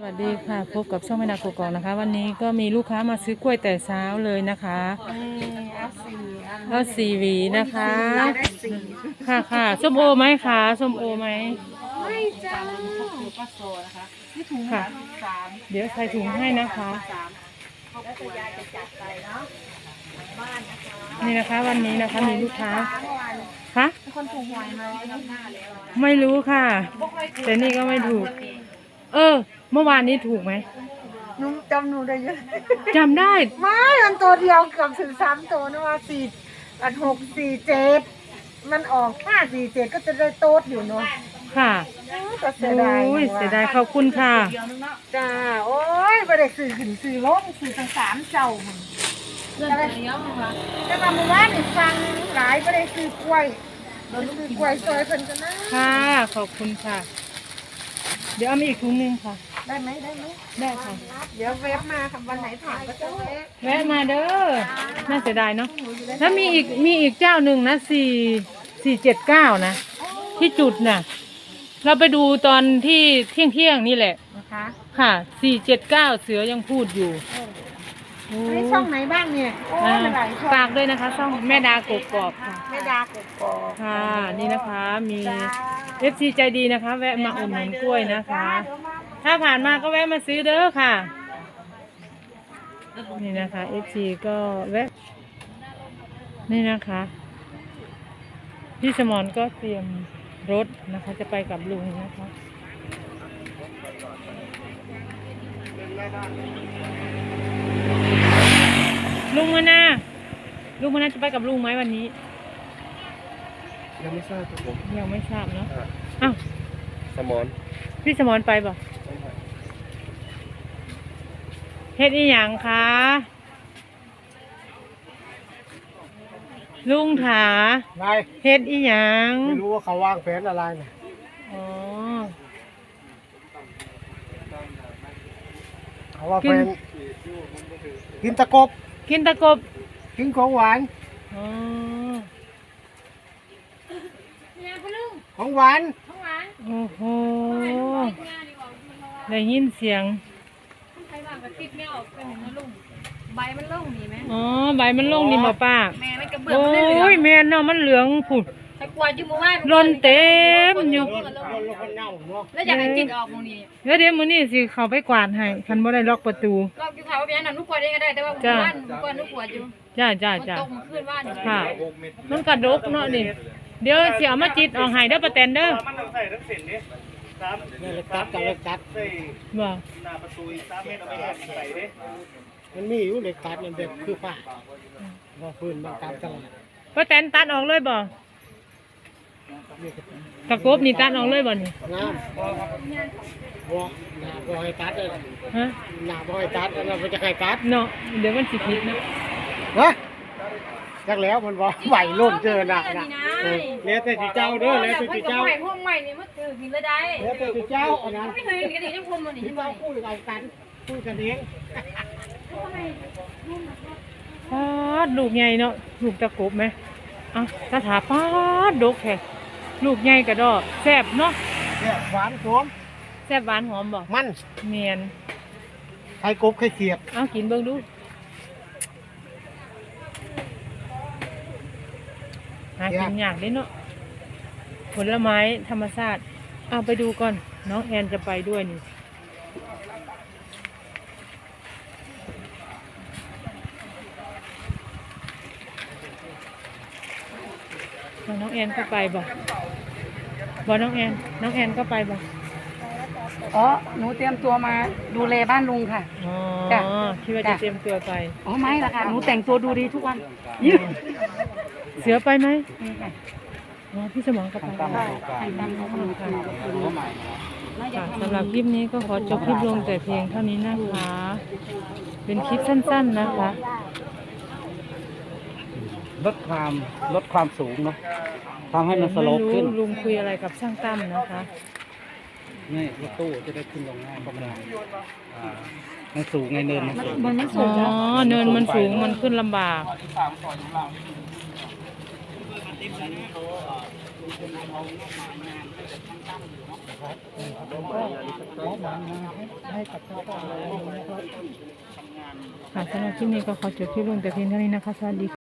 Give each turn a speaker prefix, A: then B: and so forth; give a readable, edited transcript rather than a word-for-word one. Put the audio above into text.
A: สวัสดีค่ะพบกับช่องแม่ดากกอกนะคะวันนี้ก็มีลูกค้ามาซื้อกล้วยแต่เช้าเลยนะคะเอาสี่หวีนะคะค่ะค่ะส้มโอไหมคะส้มโอไหม
B: ไม่จ้าป้าโซนะคะนี่ถุงค่ะ
A: เดี๋ยวใส่ถุงให้นะคะ
B: แล้วตัวยายจะจัดไปเนาะบ้านนะคะ
A: นี่นะคะวันนี้นะคะมีลูกค้าคะ
B: คนถูกหวยมาแล้วหน้าแล้ว
A: ไม่รู้ค่ะแต่นี่ก็ไม่ถูกเมื่อวานนี้ถูกไหม
B: นุ่มจำหนูได้เยอะ
A: จำได้
B: ไม่มันตัวเดียวเกือบถึง3 ตัวนะว่า6 4 7มันออก5 4 7ก็จะได้โต๊ดอยู่เนาะ
A: ค่ะ
B: ก็เสียดาย
A: เสียดายขอบคุณค่ะ
B: จ้าโอ้ยไม่ได้สื่อขึ้นสื่อลงสื่อทั้ง3เจ้ามันจะมาเมื่อวานนี่ฟังหลายไม่ได้ซื้อกล้วยซื้อกล้วยซอยเพิ่นกันนะ
A: ค่ะขอบคุณค่ะเดี๋ยวเอามาอีกถุงนึงค่ะ
B: ได้ไหม
A: ได้ค่ะ
B: เดี๋ยวเว็บมาค่ะวันไหนผ่านก็จะ
A: แวะมาเด้อน่าเสียดายเนาะแล้วมีอีกเจ้าหนึ่งนะ479นะที่จุดน่ะเราไปดูตอนที่เที่ยงนี่แหละ
B: นะคะ
A: ค่ะ479เสือยังพูดอยู่
B: ในช่องไหนบ้างเนี่ย
A: ฝากด้วยนะคะช่องแม่ดากกอกค่ะ
B: แม่ดากกอก
A: ค่ะนี่นะคะมีFC ใจดีนะคะแวะมาอุดหนุนกล้วยนะคะถ้าผ่านมาก็แวะมาซื้อเด้อค่ะนี่นะคะ FC ก็แวะนี่นะคะพี่สมรก็เตรียมรถนะคะจะไปกับลุงนะคะลุงมานะจะไปกับลุงไหมวันนี้
C: ยังไม่ทราบครับผม
A: ยังไม่ทราบเนาะอ้าว
C: สมอน
A: พี่สมรไปบ่เฮ็ดอีหยังคะลุงถาเฮ็ดอีหยัง
C: ไม่รู้ว่าเขาวางแผนอะไรนะ
A: อ๋อ
C: เขาว่าแผนกินตะกบ
A: กิน
C: ของหวาน
A: อ๋อ
C: ของหวาน
A: โอ้โหได้ยินเสียง
B: ใบมันล่งนี่ไหม
A: อ๋อใบมันล่งนี่บ่ป้า
B: แม่มันกระเบื้องมันเหลือง
A: โอ้ยแม่นเนาะมันเหลืองผุด
B: ไอ้กวาดอยู่หมู่บ้าน
A: ร่นเต็มอยู่
B: แล้วอยากให้จิตออกตรงนี้
A: เดี๋ยวมื้อนี้สิเข้าไปกวาดให้คันบ่ได้ล็อกประตู
B: ล็อกอยู่เขาเป็นอันนั้นนุกกวาดเองก็ได้แต่ว่าหมู่บ้านกวาดนุกกวาดอยู่
A: จ้า
B: ตกขึ้นบ้าน
A: ค่ะมันกระดกเนาะนี่เดี๋ยวสิเอามาจิตออกให้เด้อป้าแตนเด้อ
C: มันต้องใส่ทั้งเส้นนี้เล็กตัด
A: บ่
C: หน้าประตู3 เมตรเอาไปใส่ดิมันมีอยู่เล็กตัดมันแบบคือฝ้าว่าพื้นมันตัดตลอด
A: ป้าแตนตัดออกเลยบ่ตะกบนี่ตัดออกเลยบ่นี่
C: งามบ่หน้าบ่ให้ตัดเลย
A: ฮะ
C: หน้าบ่ให้ตัดแล้วมันจะใครตัด
A: เนาะเดี๋ยวมันสิผิดนะ
C: จักแล้วมันบ่ไหวล้นเจอหนักนะแล้วแต่สิเจ้าเด้อแล้วแต่สิเจ้า
B: พวกใหม่นี่มันถือกินเลยได้
C: แล้วแต่สิเจ้าอันนั้น
B: ไม่เคยกินกันจังพรมมันนี่
C: ที่ว่าพูดกันเอง
A: ปาดลูกใหญ่เนาะลูกตะกบไหมอ่ะตาถาปาดดกแท้ลูกใหญ่กระดอกแซ่บเนาะ
C: แซ่บหวานหอม
A: แซ่บหวานหอมบ่
C: มัน
A: เนียน
C: ไข่กบไข่เขียด
A: เอากินเบิ่งดูหากินยากเด้เนาะผลไม้ธรรมชาติเอาไปดูก่อนน้องแอนจะไปด้วยนี่น้องแอนก็ไปบ่น้องแอนก็ไปบ่
B: อ๋อหนูเตรียมตัวมาดูแลบ้านลุงค่ะ
A: อ๋อคิดว่าจะเตรียมตัวไป
B: อ๋อไม่ละค่ะหนูแต่งตัวดูดีทุกวัน
A: เสือไปไหมอ๋อพี่สมองก็ไปค่ะสำหรับคลิปนี้ก็ขอจบคลิปลงแต่เพียงเท่านี้นะคะเป็นคลิปสั้นๆนะคะ
C: ลดความสูงเนาะทำให้มันสโลปขึ้น
A: ลุงคุยอะไรกับช่างตั้มนะคะ
C: นี่รถตู้จะได้ขึ้นลงง่ายประมาณมันสูงไงเนินมันสูง
A: อ๋อเนินมันสูงมันขึ้นลำบาก
C: ครับผมก็มอบหมายมาให้กับชาวบ้านเรานะครับ
A: ค่ะสำหรับคลิปนี้ก็ขอจบคลิปลงแต่เพียงเท่านี้นะคะสวัสดีค่ะ